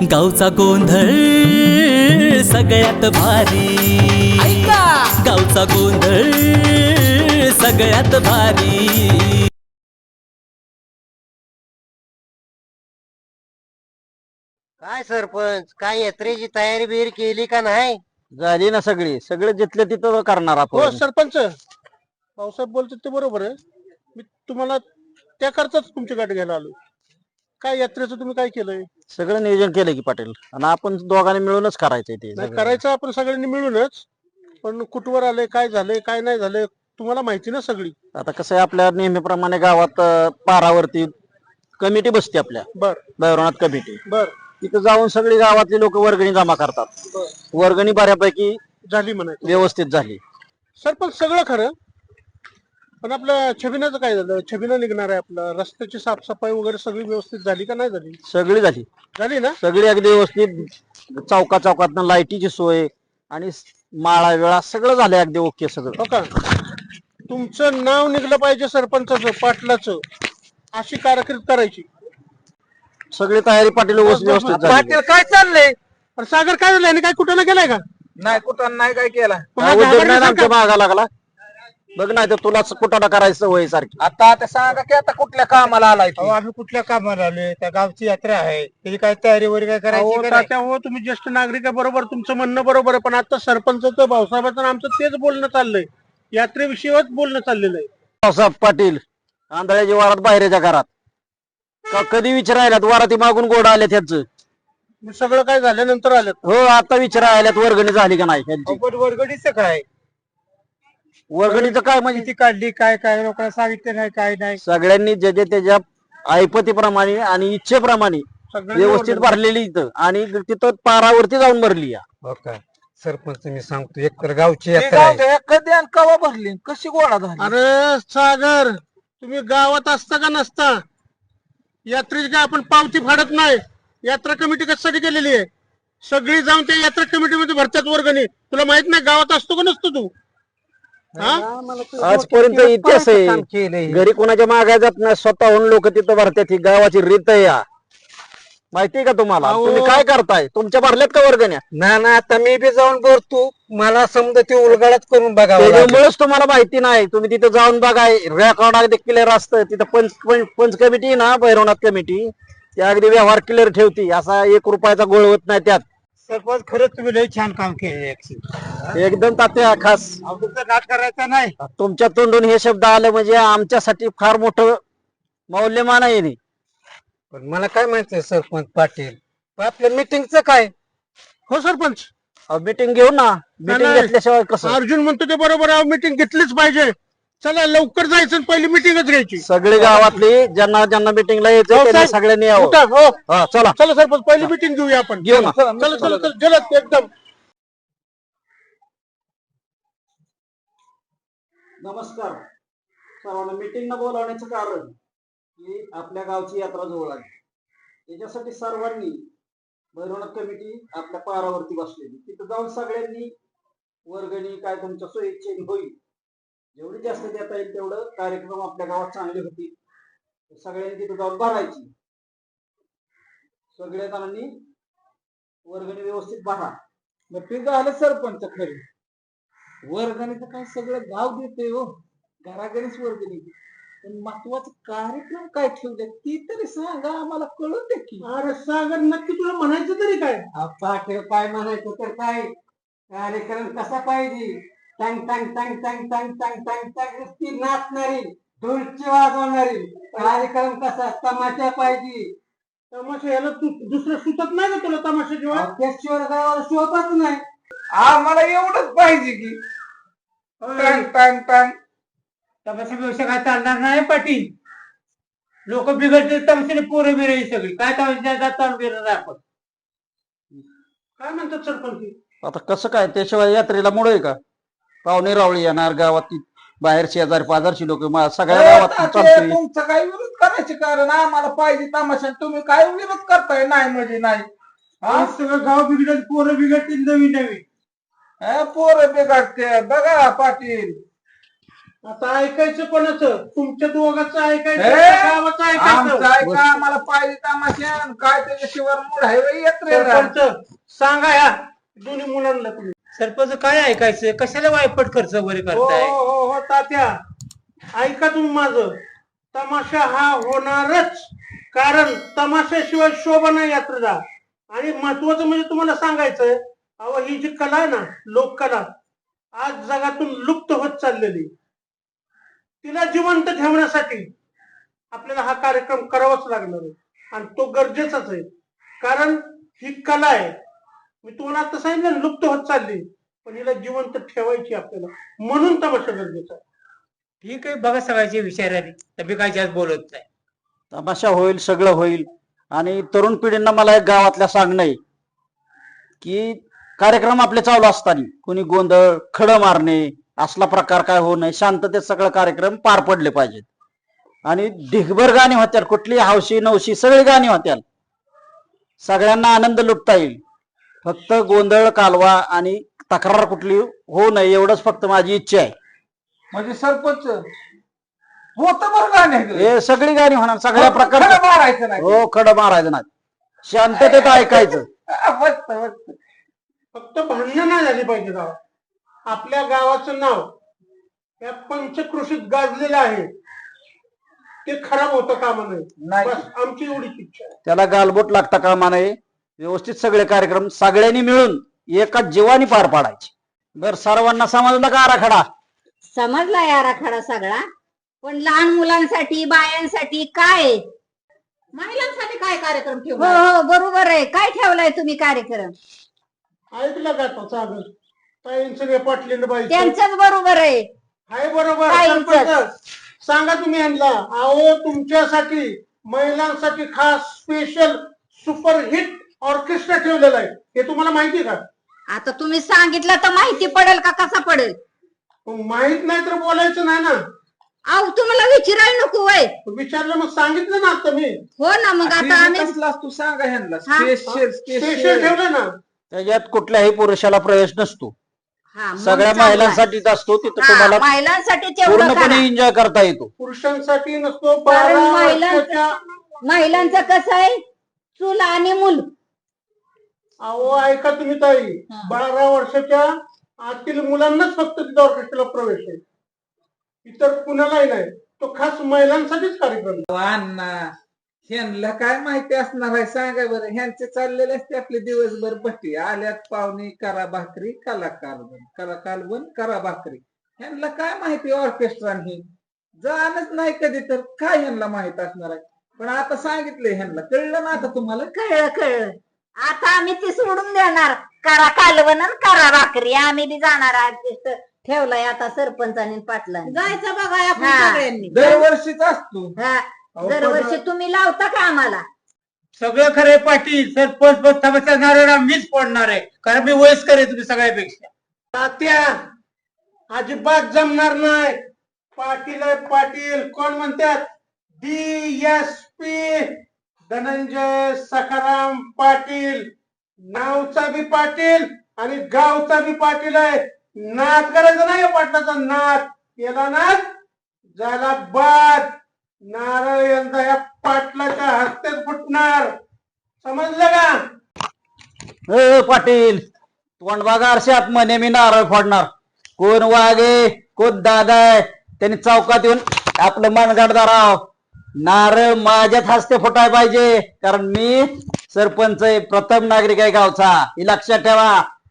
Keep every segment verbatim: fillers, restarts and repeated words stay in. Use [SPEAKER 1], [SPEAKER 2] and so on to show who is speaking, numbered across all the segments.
[SPEAKER 1] गावचा गोंधळ सगळ्यात भारी, गावचा गोंधळ सगळ्यात भारी।
[SPEAKER 2] काय सरपंच, काय यात्रेची तयारी बिरी केली का नाही?
[SPEAKER 3] झाली ना सगळी, सगळे जिथले तिथं करणार
[SPEAKER 4] हो
[SPEAKER 3] आपण।
[SPEAKER 4] सरपंच, भाऊसाहेब बोलतात ते बरोबर आहे। मी तुम्हाला त्या करताच तुमची गाठ घ्यायला आलो। काय यात्रेचं तुम्ही काय केलंय?
[SPEAKER 3] सगळं नियोजन केलं की पाटील, आणि आपण दोघांनी मिळूनच करायचंय ते
[SPEAKER 4] नाही
[SPEAKER 3] सगळं।
[SPEAKER 4] करायचं आपण सगळ्यांनी मिळूनच, पण कुठवर आले, काय झालंय, काय नाही झालंय, तुम्हाला माहिती ना सगळी।
[SPEAKER 3] आता कसं आहे, आपल्या नेहमीप्रमाणे गावात अं, पारावरती कमिटी बसते आपल्या
[SPEAKER 4] बर
[SPEAKER 3] भैरवनाथ कमिटी।
[SPEAKER 4] बर
[SPEAKER 3] तिथं जाऊन सगळी गावातली लोक वर्गणी जमा करतात।
[SPEAKER 4] बर
[SPEAKER 3] वर्गणी बऱ्यापैकी
[SPEAKER 4] झाली म्हणायचं
[SPEAKER 3] व्यवस्थित झाली।
[SPEAKER 4] सरपंच, सगळं खरं, पण आपलं छबिनाचं काय झालं? छबिना निघणार आहे, आपलं रस्त्याची साफसफाई वगैरे सगळी व्यवस्थित झाली का नाही झाली?
[SPEAKER 3] सगळी झाली,
[SPEAKER 4] झाली ना?
[SPEAKER 3] सगळी अगदी व्यवस्थित। चौका चौकातनं लाईटीची सोय आणि माळा वेळा सगळं झालंय अगदी ओके सगळं।
[SPEAKER 4] हो का? तुमचं नाव निघलं पाहिजे सरपंचाचं, पाटलाचं, अशी कारकीर्द करायची।
[SPEAKER 3] सगळी तयारी पाटील
[SPEAKER 4] बस, बस,
[SPEAKER 3] व्यवस्थित
[SPEAKER 4] बस.
[SPEAKER 3] झाली।
[SPEAKER 2] पाटील काय चाललंय?
[SPEAKER 4] अरे सागर, काय झालं? काय कुठं ना गेलाय का?
[SPEAKER 2] नाही कुठं नाही काय केला।
[SPEAKER 3] काय उद्योग नाही ना आमच्या मागा लागला? बघ नाही तर तुलाच कुटाणा करायचं वय सारखी।
[SPEAKER 2] आता आता सांगा की आता कुठल्या कामाला आलाय
[SPEAKER 5] अहो, आम्ही कुठल्या कामाला आलोय? त्या गावची यात्रा आहे, त्याची काय तयारी वगैरे काय करायची
[SPEAKER 4] अहो
[SPEAKER 5] का नाही?
[SPEAKER 4] तात्या, हो तुम्ही ज्येष्ठ नागरिक आहे, बरोबर, तुमचं म्हणणं बरोबर आहे, पण आता सरपंचाचं, भाऊसाहेबाचं आणि आमचं तेच बोलणं चाललंय, यात्रेविषयीच बोलणं चाललेलं आहे।
[SPEAKER 3] पावसाहेब पाटील आंधळ्याची वारात बाहेरच्या घरात का कधी विचारायल्यात वाराती मागून गोड आले त्याच?
[SPEAKER 4] मग सगळं काय झाल्यानंतर आलं?
[SPEAKER 3] हो, आता विचारायल्यात वर्गणी झाली का नाही त्यांची।
[SPEAKER 5] अवघड वरगडीचं काय?
[SPEAKER 3] वर्गणीचं काय म्हणजे
[SPEAKER 5] किती काढली, काय काय लोकांना सांगितलं नाही, काय नाही?
[SPEAKER 3] सगळ्यांनी जे जे त्याच्या ऐपतीप्रमाणे आणि इच्छेप्रमाणे
[SPEAKER 4] सगळ्यांनी
[SPEAKER 3] व्यवस्थित
[SPEAKER 4] वर्गणी-
[SPEAKER 3] भरलेली इथं, आणि तिथं पारावरती जाऊन भरली या।
[SPEAKER 5] हो का? सरपंच, मी सांगतो, एक तर गावची यात्रा आहे.
[SPEAKER 2] कधी आणि कवा भरली, कशी गोळा झाली?
[SPEAKER 4] अरे सागर, तुम्ही गावात असता का नसता? यात्रेची काय आपण पावती फाडत नाही? यात्रा कमिटी कशासाठी केलेली आहे? सगळी जाऊन त्या यात्रा कमिटीमध्ये भरतात वर्गणी। तुला माहित नाही गावात असतो का नसतो तू? हा?
[SPEAKER 3] आजपर्यंत इतिहास आहे, घरी कोणाच्या मागाय जात नाही, स्वतःहून लोक तिथं भरतात। ही गावाची रीत आहे या, माहितीये का तुम्हाला?
[SPEAKER 4] अहो.
[SPEAKER 3] तुम्ही काय करताय? तुमच्या भरल्यात का वर्गण्या?
[SPEAKER 5] ना ना, आता मी बी जाऊन भरतो, मला समजा ते उलगडच करून बघावं लागेल.
[SPEAKER 3] त्याच्यामुळेच तुम्हाला माहिती नाही। तुम्ही तिथं जाऊन बघाय, रेकॉर्ड अगदी क्लिअर असतं तिथं। पंच पंच पंच कमिटी ना, भैरवनाथ कमिटी, ती अगदी व्यवहार क्लिअर ठेवती, असा एक रुपयाचा गोळ होत नाही त्यात।
[SPEAKER 5] सरपंच, खरंच तुम्ही लय छान काम केले।
[SPEAKER 3] एकदम तात्या खास
[SPEAKER 5] तुमचा नाट करायचा नाही।
[SPEAKER 3] तुमच्या तोंडून हे शब्द आले म्हणजे आमच्यासाठी फार मोठं मौल्यमान आहे हे।
[SPEAKER 5] पण मला काय माहितीये सरपंच पाटील, पण आपल्या मीटिंगचं काय?
[SPEAKER 4] हो सरपंच,
[SPEAKER 3] मीटिंग घेऊ ना, मीटिंग
[SPEAKER 4] नाही.
[SPEAKER 3] घेतल्याशिवाय कसं?
[SPEAKER 4] अर्जुन म्हणतो ते बरोबर आहे, मीटिंग घेतलीच पाहिजे। चला लवकर जायचं आणि पहिली मीटिंगच घ्यायची।
[SPEAKER 3] सगळी गावातली ज्यांना ज्यांना मीटिंगला यायचं त्यांनी
[SPEAKER 4] भाऊसाहेब,
[SPEAKER 3] सगळ्यांनी यावं।
[SPEAKER 4] उठा, हो.
[SPEAKER 3] हा, चला
[SPEAKER 4] चला सरपंच, पहिली मीटिंग घेऊया आपण।
[SPEAKER 3] घेऊ ना।
[SPEAKER 4] चला चला चला, जलद एकदम।
[SPEAKER 3] नमस्कार सर्वांना। मीटिंग न बोलावण्याचं कारण की आपल्या गावची यात्रा जवळ आली, त्याच्यासाठी सर्वांनी भैरवनाथ कमिटी आपल्या पारावरती बसलेली, तिथं जाऊन सगळ्यांनी वर्गणी काय तुमच्या सोयीचे होईल जेवढी जास्त देता येईल तेवढं कार्यक्रम आपल्या गावात चांगले होतील। सगळ्यांनी तिथं जाऊन भरायची, सगळ्या जणांनी वर्गणी व्यवस्थित भरा।
[SPEAKER 2] मग ते झालं सरपंच। खरी वर्गणीचं काय सगळं गाव देते हो, घराघरीच वर्गणी। पण महत्वाचं कार्यक्रम काय ठेवले ती तरी सांगा, आम्हाला कळून दे की।
[SPEAKER 4] अरे सागर, नक्की तुला म्हणायचं तरी काय?
[SPEAKER 5] पाटील, काय म्हणायचं तर काय? कार्यक्रम कसा पाहिजे? टंग टंग टंग टंग टंग टंग टंग टंग नुसती नाचणारी, ढोलची वाजवणारी कार्यक्रम कसा? तमाशा पाहिजे।
[SPEAKER 4] तमाशा याला तू दुसरं सुचत नाही का तुला तमाशाशिवाय?
[SPEAKER 5] त्याशिवाय गावाला शोभत नाही।
[SPEAKER 2] आम्हाला एवढंच पाहिजे की टांग टांग टांग।
[SPEAKER 5] तमाशा व्यवस्था काय चालणार नाही पाटील। लोक बिघडते तमाशाने, पोरं बिराई सगळी काय तमाशा ताण बिरणार आपण?
[SPEAKER 4] काय म्हणतात सरपंच?
[SPEAKER 3] आता कसं काय? त्याशिवाय यात्रेला मुळे आहे का? पाहुणे रावळी येणार गावात, बाहेर शेजारी पाजारची लोक, सगळ्या गावात चालतंय।
[SPEAKER 2] तुमचं काय विरोध करायचे कारण? आम्हाला पाहिजे तमाशा, तुम्ही काय विरोध करताय? नाही म्हणजे नाही।
[SPEAKER 4] हा, सगळं गाव बिघडेल, पोरं बिघडतील नवीन नवीन।
[SPEAKER 2] पोरं बिघडते बघा पाटील।
[SPEAKER 4] आता ऐकायचं कोणाचं? तुमच्या दोघांचं ऐकायचं
[SPEAKER 2] हे?
[SPEAKER 4] का गावाचं
[SPEAKER 2] आमचं
[SPEAKER 4] ऐकायचं?
[SPEAKER 2] ऐका आम्हाला पाहिजे तमाशा काय त्याच्याशिवाय मूड आहे व्हय यात्रेला.
[SPEAKER 4] सरपंच सांगा ह्या दोन्ही मुलांना तुम्ही.
[SPEAKER 6] सरपंच काय ऐकायचं? कशाला वायपट खर्च वगैरे
[SPEAKER 4] हो
[SPEAKER 6] करताय?
[SPEAKER 4] हो हो हो तात्या, ऐका तुम्ही माझं. तमाशा हा होणारच, कारण तमाशाशिवाय शोभा नाही यात्रेला. आणि महत्वाचं म्हणजे तुम्हाला सांगायचंय, अहो ही जी कला आहे ना, लोककला आज जगातून लुप्त होत चाललेली, तिला जिवंत ठेवण्यासाठी आपल्याला हा कार्यक्रम करावाच लागणार आहे. आणि तो गरजेचाच आहे, कारण ही कला आहे. मी तुम्हाला आता सांगितलं ना, लुप्त होत चालली, पण हिला जिवंत ठेवायची आपल्याला, म्हणून तमाशा गरजेचा आहे.
[SPEAKER 6] ठीक आहे, बघा सगळ्याची विचाराने, तभी काय जास्त बोलत नाही.
[SPEAKER 3] तमाशा होईल, सगळं होईल. आणि तरुण पिढींना मला एक गावातल्या सांगणं आहे की कार्यक्रम आपले चालू असताना कोणी गोंधळ, खडं मारणे असला प्रकार काय होऊ नये, शांततेत सगळं कार्यक्रम पार पडले पाहिजेत. आणि ढिगभर गाणी होत्याल, कुठली हौशी नवशी सगळी गाणी होत्याल, सगळ्यांना आनंद लुटता येईल. फक्त गोंधळ, कालवा आणि तक्रार कुठली होऊ नये एवढंच फक्त माझी इच्छा आहे.
[SPEAKER 2] म्हणजे सरपंच होत बरं गाणे
[SPEAKER 3] हे सगळी गाणी होणार, सगळ्या
[SPEAKER 2] खडं
[SPEAKER 3] प्रकारची.
[SPEAKER 2] मारायचं नाही.
[SPEAKER 3] हो, खडं मारायचं नाही, शांततेत ऐकायचं.
[SPEAKER 2] मस्त मस्त.
[SPEAKER 4] फक्त भांडणं नाही झाली पाहिजे गावात. आपल्या गावाचं नाव या पंचकृषीत गाजलेलं आहे, ते खराब होतं कामा नये.
[SPEAKER 2] नाही.
[SPEAKER 4] बस आमची एवढीच इच्छा आहे.
[SPEAKER 3] त्याला गालबोट लागता कामा नये. व्यवस्थित सगळे कार्यक्रम सगळ्यांनी मिळून एका जीवानी पार पाडायचे. बर, सर्वांना समजलं का आराखडा?
[SPEAKER 7] समजला या आराखडा सगळा, पण लहान मुलांसाठी, बायांसाठी काय?
[SPEAKER 8] महिलांसाठी काय कार्यक्रम
[SPEAKER 7] हो
[SPEAKER 8] ठेवला?
[SPEAKER 7] हो बरोबर आहे. काय ठेवलाय तुम्ही कार्यक्रम?
[SPEAKER 4] ऐकलं का तो चालू ताईंचं हे पाटलीन बाई
[SPEAKER 7] त्यांचंच बरोबर आहे.
[SPEAKER 4] हाय बरोबर.
[SPEAKER 7] ताईंचंच.
[SPEAKER 4] सरपंच सांगा तुम्ही यांना, अहो तुमच्यासाठी महिलांसाठी खास स्पेशल सुपर हिट ऑर्केस्ट्रा ठेवलेला आहे, हे तुम्हाला माहिती का?
[SPEAKER 7] आता तुम्ही सांगितलं तर माहिती पडेल का कसा पडेल?
[SPEAKER 4] माहित नाही तर बोलायचं नाही ना.
[SPEAKER 7] अहो तुम्हाला विचारायला नको वय.
[SPEAKER 4] विचारलं मग सांगितलं ना आता मी.
[SPEAKER 7] हो ना, मग आता आम्ही
[SPEAKER 2] कसला तू सांगा ह्यांना
[SPEAKER 7] हा?
[SPEAKER 2] स्पेशल
[SPEAKER 4] स्पेशल
[SPEAKER 2] स्पेशल
[SPEAKER 4] ठेवलं ना.
[SPEAKER 3] त्याच्यात कुठल्याही पुरुषाला प्रवेश नसतो,
[SPEAKER 7] हा, मग
[SPEAKER 3] सगळ्या
[SPEAKER 7] चांगलं आहे.
[SPEAKER 3] महिलांसाठीच असतो. तिथं
[SPEAKER 7] हा,
[SPEAKER 3] तुम्हाला
[SPEAKER 7] महिलांसाठी तेवढं करा.
[SPEAKER 3] पूर्णपणे एन्जॉय करता येतो.
[SPEAKER 4] पुरुषांसाठी नसतो.
[SPEAKER 7] कारण
[SPEAKER 4] बारा
[SPEAKER 7] महिलांचं
[SPEAKER 4] वर्षाच्या
[SPEAKER 7] महिलांचं कसं आहे, चूल आणि मूल.
[SPEAKER 4] अहो ऐका तुम्ही ताई, बारा वर्षाच्या आतील मुलांनाच फक्त तिथं ऑर्केस्ट्राला प्रवेश आहे, इतर कुणालाही नाही. तो खास महिलांसाठीच कार्यक्रम.
[SPEAKER 2] अण्णा ह्यांना काय माहिती असणार आहे सांगा बरं. ह्यांचे चाललेले असते आपले दिवसभर भट्टी, आल्यात पाहुणे करा भाकरी, कलाकार बन, कलाकार बन, करा भाकरी. ह्यांना काय माहिती ऑर्केस्ट्रा हे जाणच नाही कधी, तर काय ह्यांना माहित असणार आहे. पण आता सांगितलंय ह्यांना, कळलं ना आता तुम्हाला?
[SPEAKER 7] कळलं कळलं. आता आम्ही ती सोडून देणार, करा कालवण आणि करा भाकरी. आम्ही बी जाणार आर्टिस्ट ठेवलाय आता सरपंचाने पाटलांनी.
[SPEAKER 8] जायचं बघा आपण
[SPEAKER 7] हा.
[SPEAKER 8] सगळ्यांनी.
[SPEAKER 2] दरवर्षीच असतो.
[SPEAKER 7] हा,
[SPEAKER 2] अहो,
[SPEAKER 7] दरवर्षी
[SPEAKER 2] पण-
[SPEAKER 7] तुम्ही लावता का आम्हाला?
[SPEAKER 6] सगळं खरंय पाटील. सरपंच पद तमाशा नारळा मीच पडणार आहे, कारण मी वयस्कर आहे तुम्ही सगळ्यापेक्षा.
[SPEAKER 4] तात्या अजिबात जमणार नाही. पाटील आहे पाटील. कोण म्हणतात? D S P Dhananjay Sakharam Patil. नावचा बी पाटील आणि गावचा बी पाटील आहे. नाद करायचा नाही पाटलाचा. नाद केला नाद झाला बाद. नारळ यंदा या पाटलाच्या हस्ते फुटणार, समजलं का?
[SPEAKER 3] ए पाटील, तोंड बघा आरशात, म्हणे मी नारळ फोडणार. कोण वागे, कोण दादा आहे, त्यांनी चौकात येऊन आपलं मनगड धराव. नारळ माझ्याच हस्ते फुटाय पाहिजे, कारण मी सरपंच आहे, प्रथम नागरिक आहे गावचा, हे लक्षात ठेवा.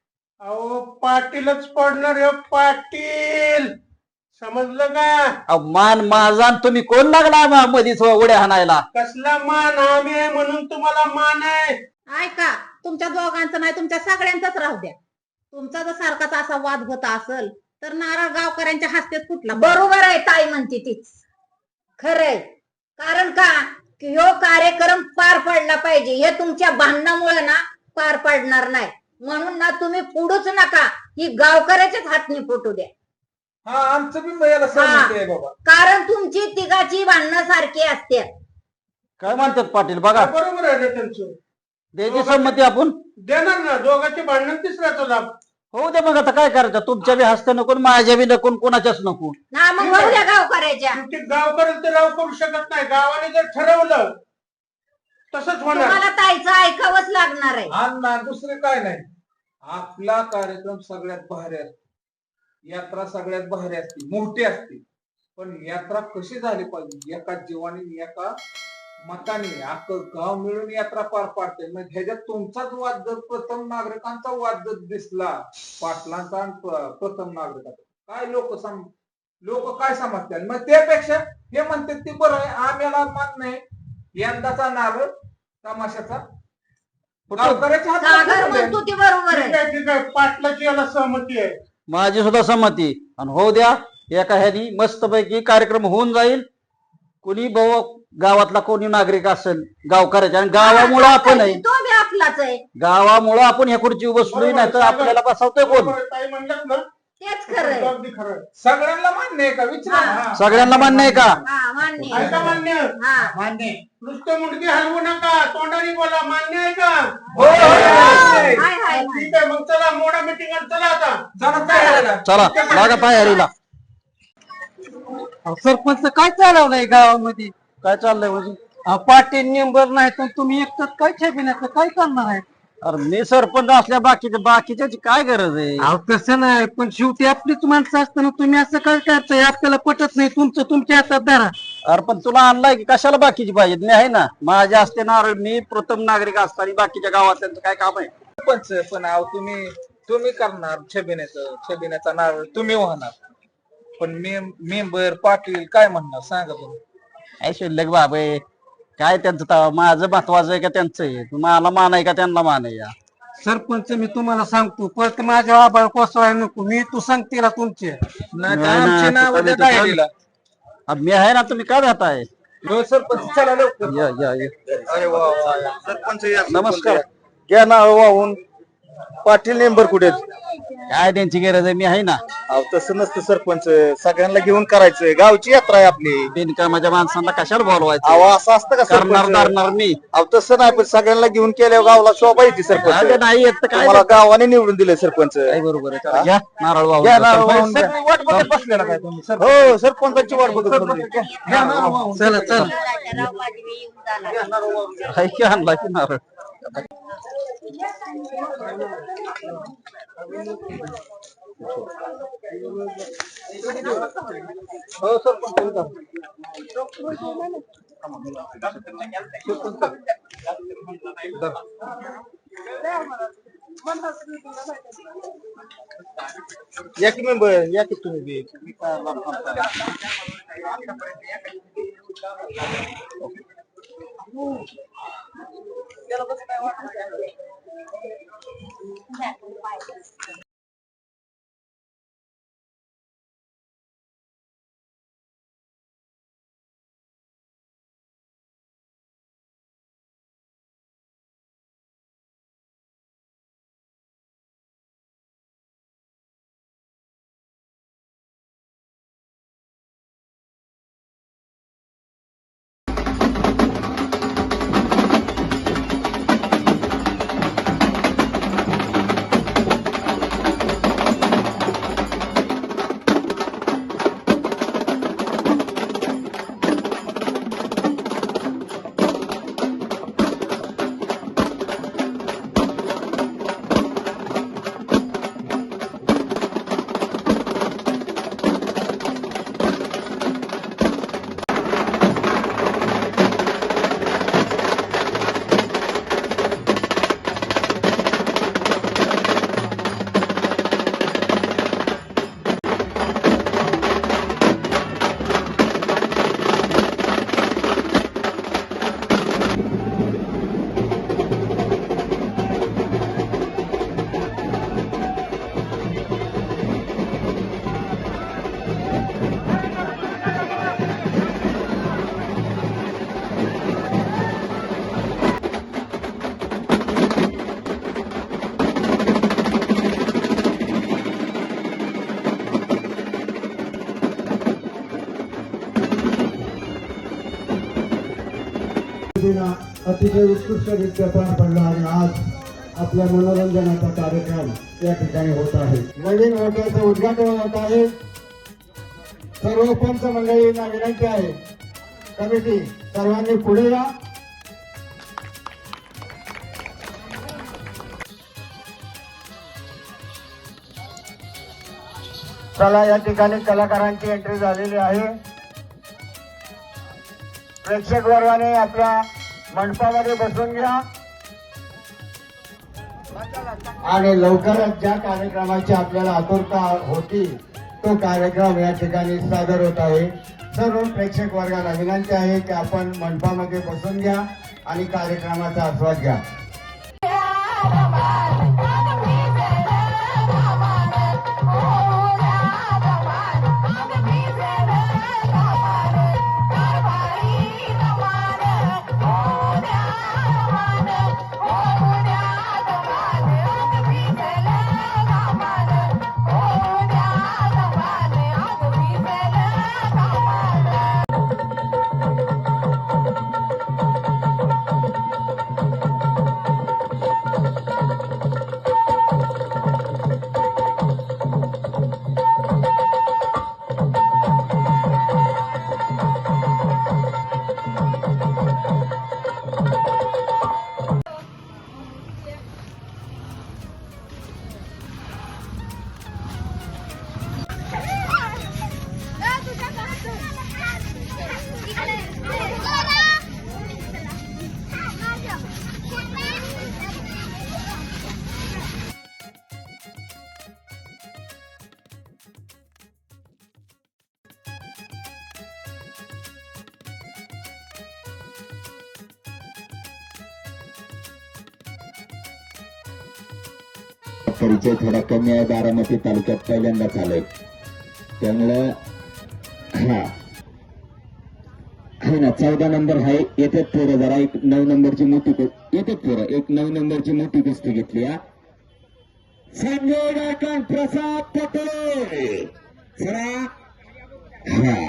[SPEAKER 4] अहो पाटीलच पडणार हे पाटील, समजलं का?
[SPEAKER 3] अहो, मान माझा आणि तुम्ही कोण लागला मा- मधीच उड्या हाणायला?
[SPEAKER 4] कसला मान? आम्ही आहे म्हणून तुम्हाला मान आहे.
[SPEAKER 8] ऐका, तुमच्या दोघांचं नाही, तुमच्या सगळ्यांचाच राहू द्या. तुमचा जर सारखाच असा वाद होत असेल तर नारळ गावकऱ्यांच्या हस्तेच फुटला.
[SPEAKER 7] बरोबर आहे ताई म्हणते तीच खरंय. कारण का की ह्यो कार्यक्रम पार पडला पाहिजे. हे तुमच्या भांडणामुळे ना पार पडणार नाही. म्हणून ना तुम्ही पुढूच नका, ही गावकऱ्याच्याच हातनी फुटू द्या.
[SPEAKER 2] हा, आमचं बी याला सहमती आहे बाबा.
[SPEAKER 7] कारण तुमची तिघाची भांडणं सारखी असते.
[SPEAKER 3] काय म्हणतात पाटील? बघा,
[SPEAKER 4] बरोबर आहे ना त्यांचं.
[SPEAKER 3] द्यायची संमती आपण.
[SPEAKER 4] देणार ना दोघांचे भांडण तिसऱ्याचा लाभ.
[SPEAKER 3] हो दे मग आता काय करायचं, तुमच्या बी हस्ते नको आणि माझ्या बी नको आणि कोणाच्याच नको.
[SPEAKER 7] ना मग होऊ द्या गावकऱ्याच्या.
[SPEAKER 4] शेवटी गावकऱ्याला तर राव करू शकत नाही. गावाने जर ठरवलं तसंच होणार.
[SPEAKER 7] तुम्हाला ताईचं ऐकावंच लागणार आहे.
[SPEAKER 2] अण्णा दुसरे काय नाही, आपला कार्यक्रम सगळ्यात भारी असतो, यात्रा सगळ्यात भारी असते, मोठी असते. पण यात्रा कशी झाली पाहिजे, एका जीवाने एका मताने अख्खं गाव मिळून यात्रा पार पाडते. मग ह्याच्यात तुमचाच वाद जर प्रथम नागरिकांचा वाद जर दिसला, पाटलांचा आणि प- प्रथम नागरिकांचा, काय लोक सम लोक काय समजतील. मग त्यापेक्षा हे म्हणतात ते बरं आहे, आम्हाला मान्य आहे यंदाचा नारळ तमाशाचा गावकऱ्याच्या हातात
[SPEAKER 7] सागर
[SPEAKER 2] ठेवू द्या.
[SPEAKER 7] म्हणतो ती बरोबर
[SPEAKER 4] ठीक
[SPEAKER 7] आहे.
[SPEAKER 4] आहे ठीक आहे, पाटलाची याला सहमती आहे.
[SPEAKER 3] माझी सुद्धा संमती. आणि होऊ द्या, एका ह्यानी मस्तपैकी कार्यक्रम होऊन जाईल. कोणी भाऊ गावातला कोणी नागरिक असेल गावकऱ्याच्या, आणि गावामुळं आपण आहे,
[SPEAKER 7] तो बी आपलाच आहे.
[SPEAKER 3] गावामुळं आपण ह्या खुर्ची बसलोय, नाही तर आपल्याला बसवतोय कोण.
[SPEAKER 4] बरोबर आहे, ताई म्हणलात ना,
[SPEAKER 7] तेच खरंय.
[SPEAKER 4] अगदी खरं आहे.
[SPEAKER 2] सगळ्यांना मान्य आहे का विचारा.
[SPEAKER 7] हा.
[SPEAKER 3] सगळ्यांना मान्य आहे का?
[SPEAKER 7] हा मान्य आहे.
[SPEAKER 4] आहे का मान्य?
[SPEAKER 7] हा
[SPEAKER 6] मान्य
[SPEAKER 4] नुसतं मुंडकी हलवू नका, तोंडाने बोला. मान्य आहे का?
[SPEAKER 2] हो, हो, हो.
[SPEAKER 7] हाय हाय हाय.
[SPEAKER 4] ठीक आहे, मग चला मोडा मिटिंग चला आता.
[SPEAKER 2] चला तयारीला.
[SPEAKER 3] चला लागा तयारीला.
[SPEAKER 5] सरपंच काय चालवलंय गावामध्ये?
[SPEAKER 3] काय चाललंय म्हणजे?
[SPEAKER 5] अहो, पाटील मेंबर नाही तर तुम्ही एकटंच काय छबिन्याचं काय करणार आहे?
[SPEAKER 3] अरे मी सरपंच असल्या बाकीच्या बाकीच्याची काय गरज आहे?
[SPEAKER 5] अहो तसं नाही, पण शेवटी आपलीच माणसं असताना तुम्ही असं काय करताय? आपल्याला पटत नाही, तुमचं तुमच्या हातात धरा.
[SPEAKER 3] अरे पण तुला आणलाय की कशाला बाकीची पाहिजे? मी आहे ना, माझ्या असते नारळ. मी प्रथम नागरिक असताना बाकीच्या गावातल्यांचं काय काम आहे?
[SPEAKER 2] पंच पण आहो तुम्ही तुम्ही करणार छबिन्याचं छबिन्याचा नारळ तुम्ही वाहणार, पण मेंबर पाटील काय म्हणणार सांगा बरं.
[SPEAKER 3] काय शिल्लक बाबा आहे, काय त्यांचं तवा? माझं महत्वाचं आहे का त्यांचं आहे? मला मान आहे का त्यांना मान आहे? या
[SPEAKER 5] सरपंच मी तुम्हाला सांगतो, परत माझ्या आबाळ कोसळाय नको. मी तू सांगते ना तुमचे.
[SPEAKER 2] नाही तर
[SPEAKER 3] नाही ना,
[SPEAKER 2] आमची नावं
[SPEAKER 3] चालेल,
[SPEAKER 2] त्या
[SPEAKER 3] चालेल.
[SPEAKER 2] डायरीला.
[SPEAKER 3] अब मी आहे ना, तुम्ही काय राहताय?
[SPEAKER 2] हो सरपंच चला लवकर.
[SPEAKER 3] या या या.
[SPEAKER 2] अरे वा वा वा. सरपंच या,
[SPEAKER 3] नमस्कार.
[SPEAKER 2] घ्या नाव वाहून. पाटील मेंबर कुठे?
[SPEAKER 3] काय त्यांची गरज आहे? मी आहे ना.
[SPEAKER 2] अहो तसं नसतं सरपंच, सगळ्यांना घेऊन करायचंय, गावची यात्रा आहे आपली.
[SPEAKER 3] बिनकामाच्या माणसांना कशाला बोलवायचं?
[SPEAKER 2] अहो असं असतं का
[SPEAKER 3] करणार
[SPEAKER 2] सरपंच?
[SPEAKER 3] करणार मी.
[SPEAKER 2] अहो तसं नाही, पण सगळ्यांना घेऊन केल्यावर गावाला शोभा येते
[SPEAKER 3] अरे
[SPEAKER 2] सरपंच.
[SPEAKER 3] नाही येत तर काय?
[SPEAKER 2] तुम्हाला गावाने निवडून दिले सरपंच.
[SPEAKER 3] काय बरोबर आहे? चला, घ्या नारळ वाहून.
[SPEAKER 2] घ्या नारळ
[SPEAKER 3] सरपंच.
[SPEAKER 2] वाहून घ्या. वाट बघत बसलेला काय तुम्ही? हो सरपंचाची वाट बघत बसले. घ्या नारळ वाहून.
[SPEAKER 5] चला चला.
[SPEAKER 3] हाय की आणला की नारळ.
[SPEAKER 2] हो सरपंच. या की मेंबर, या की तुम्ही बी. तुम्ही काय लांब थांबताय?
[SPEAKER 9] अतिशय उत्कृष्टरित्या पार पडला आणि आज
[SPEAKER 5] आपल्या मनोरंजनाचा कार्यक्रम या ठिकाणी होत आहे. नवीन हॉटेलचं उद्घाटन होत आहे. सर्व पंच मंडळींना विनंती आहे, कमिटी सर्वांनी पुढे या. चला, या ठिकाणी कलाकारांची एंट्री झालेली आहे. प्रेक्षक वर्गाने आपल्या मंडपामध्ये बसून घ्या आणि लवकरच ज्या कार्यक्रमाची आपल्याला आतुरता होती तो कार्यक्रम या ठिकाणी सादर होत आहे. सर्व प्रेक्षक वर्गाला विनंती आहे की आपण मंडपामध्ये बसून घ्या आणि कार्यक्रमाचा आस्वाद घ्या.
[SPEAKER 9] परिचय थोडा कमी आहे. बारामती तालुक्यात पहिल्यांदाच आलोय, त्यामुळं हा हो ना, चौदा नंबर आहे. येतात पोरं, जरा एक नऊ नंबरची मोठी येतात पोरं, एक नऊ नंबरची मोठी कुस्ती घेतली. हा संजय गायकवाड, प्रसाद पटेल, चला हा